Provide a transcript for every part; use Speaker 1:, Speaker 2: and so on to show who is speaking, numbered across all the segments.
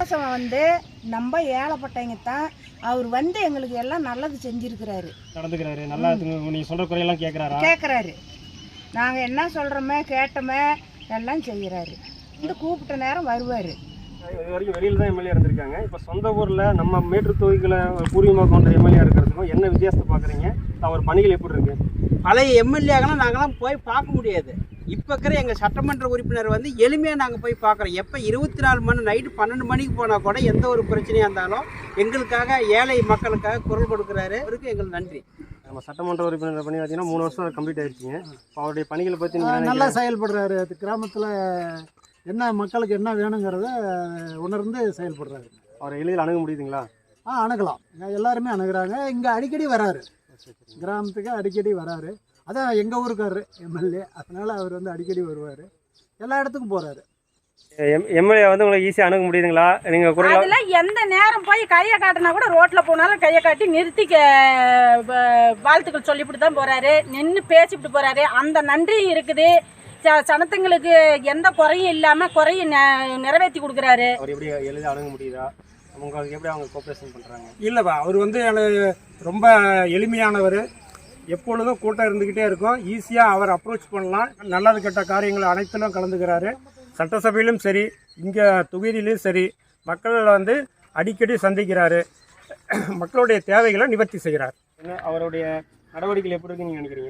Speaker 1: இலவசம் வந்து நம்ம ஏழைப்பட்டவங்க தான். அவர் வந்து எங்களுக்கு எல்லாம் நல்லது செஞ்சுருக்கிறாரு,
Speaker 2: நடந்துக்கிறாரு. நல்லா நீங்கள் சொல்கிற குறையெல்லாம்
Speaker 1: கேட்குறாரு. நாங்கள் என்ன சொல்கிறோமே கேட்டோமே எல்லாம் செய்கிறாரு. இந்த கூப்பிட்ட நேரம் வருவார்.
Speaker 2: இது வரைக்கும் வெளியில் தான் எம்எல்ஏ இருந்திருக்காங்க. இப்போ சொந்த ஊரில் நம்ம மேட்டூர் தொகுதிகளை பூர்வீகமாக கொண்ட எம்எல்ஏ இருக்கிறதுக்கும் என்ன வித்தியாசத்தை பார்க்குறீங்க? அவர் பணிகள் எப்படி இருக்குது?
Speaker 3: பழைய எம்எல்ஏக்கெல்லாம் நாங்களாம் போய் பார்க்க முடியாது. இப்போ இருக்கிற எங்கள் சட்டமன்ற உறுப்பினர் வந்து எளிமையாக நாங்கள் போய் பார்க்குறோம். எப்போ 24 மணி நைட்டு 12 மணிக்கு போனால் கூட எந்த ஒரு பிரச்சனையாக இருந்தாலும் எங்களுக்காக ஏழை மக்களுக்காக குரல் கொடுக்குறாரு. அவருக்கு எங்களுக்கு நன்றி.
Speaker 2: நம்ம சட்டமன்ற உறுப்பினர் பண்ணி பார்த்தீங்கன்னா 3 வருஷம் கம்ப்ளீட் ஆகிடுச்சிங்க. இப்போ அவருடைய பணிகளை பற்றி
Speaker 4: நல்லா செயல்படுறாரு. அது கிராமத்தில் என்ன மக்களுக்கு என்ன வேணுங்கிறத உணர்ந்து செயல்படுறாரு.
Speaker 2: அவரை எளிதில் அணுக முடியுதுங்களா?
Speaker 4: அணுகலாம். எல்லாருமே அணுகிறாங்க. இங்கே அடிக்கடி வராரு, கிராமத்துக்கு அடிக்கடி வராரு. அதான் எங்கள் ஊருக்காரரு எம்எல்ஏ, அதனால் அவர் வந்து அடிக்கடி வருவார், எல்லா இடத்துக்கும் போகிறாரு.
Speaker 2: எம்எல்ஏ வந்து உங்களுக்கு ஈஸியாக அணுக முடியுதுங்களா? நீங்கள் குரல்
Speaker 1: அதெல்லாம் எந்த நேரம் போய் கையை காட்டினா கூட ரோட்டில் போனாலும் கையை காட்டி நிறுத்தி வாழ்த்துக்கள் சொல்லிவிட்டு தான் போகிறாரு. நின்று பேசிவிட்டு போகிறாரு. அந்த நன்றி இருக்குது. சனத்துங்களுக்கு எந்த குறையும் இல்லாமல் குறையை நிறைவேற்றி கொடுக்குறாரு.
Speaker 2: அவர் எப்படி எளிதாக அணுக முடியுதா? உங்களுக்கு எப்படி அவங்க கோஆப்ரேஷன் பண்ணுறாங்க?
Speaker 5: இல்லைப்பா, அவர் வந்து எனக்கு ரொம்ப எளிமையானவர். எப்பொழுதும் கூட்டம் இருந்துக்கிட்டே இருக்கும். ஈஸியாக அவர் அப்ரோச் பண்ணலாம். நல்லது கெட்ட காரியங்கள் அனைத்திலும் கலந்துக்கிறாரு. சட்டசபையிலும் சரி, இங்கே தொகுதியிலும் சரி, மக்கள் வந்து அடிக்கடி சந்திக்கிறாரு. மக்களுடைய தேவைகளை நிவர்த்தி செய்கிறார்.
Speaker 2: அவருடைய நடவடிக்கைகள் எப்படி இருக்குன்னு நீங்கள் நினைக்கிறீங்க?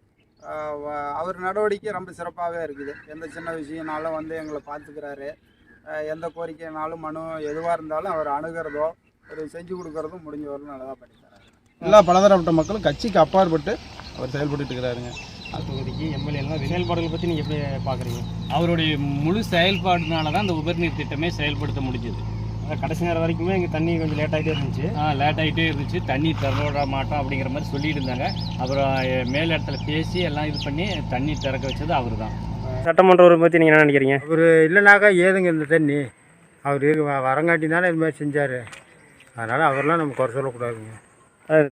Speaker 6: அவர் நடவடிக்கை ரொம்ப சிறப்பாகவே இருக்குது. எந்த சின்ன விஷயம்னாலும் வந்து எங்களை பார்த்துக்கிறாரு. எந்த கோரிக்கைனாலும் மனு எதுவாக இருந்தாலும் அவர் அணுகிறதோ ஒரு செஞ்சு கொடுக்குறதும் முடிஞ்ச வரலும் நல்லதாக பண்ணிக்கிறாரு.
Speaker 7: எல்லா பலதரப்பட்ட மக்களும் கட்சிக்கு அப்பாற்பட்டு அவர் செயல்பட்டு இருக்கிறாருங்க.
Speaker 2: தொகுதிக்கு எம்எல்ஏலாம் செயல்பாடுகளை பற்றி நீங்கள் எப்படி பார்க்குறீங்க?
Speaker 8: அவருடைய முழு செயல்பாடுனால தான் அந்த உபரிநீர் திட்டமே செயல்படுத்த முடிஞ்சது.
Speaker 2: கடைசி நேரம் வரைக்குமே இங்கே தண்ணி கொஞ்சம் லேட் ஆகிட்டே இருந்துச்சு.
Speaker 8: தண்ணி திறக்க மாட்டோம் அப்படிங்கிற மாதிரி சொல்லிட்டு இருந்தாங்க. அப்புறம் மேல் இடத்துல பேசி எல்லாம் இது பண்ணி தண்ணி திறக்க வச்சது அவர் தான்.
Speaker 2: சட்டமன்ற உறுப்பினர் பற்றி நீங்கள் என்ன நினைக்கிறீங்க?
Speaker 4: அவர் இல்லைனாக்கா ஏதுங்க இந்த தண்ணி? அவர் வரங்காட்டி தானே இது மாதிரி செஞ்சார். அதனால் அவரெலாம் நம்ம குறை சொல்லக்கூடாதுங்க.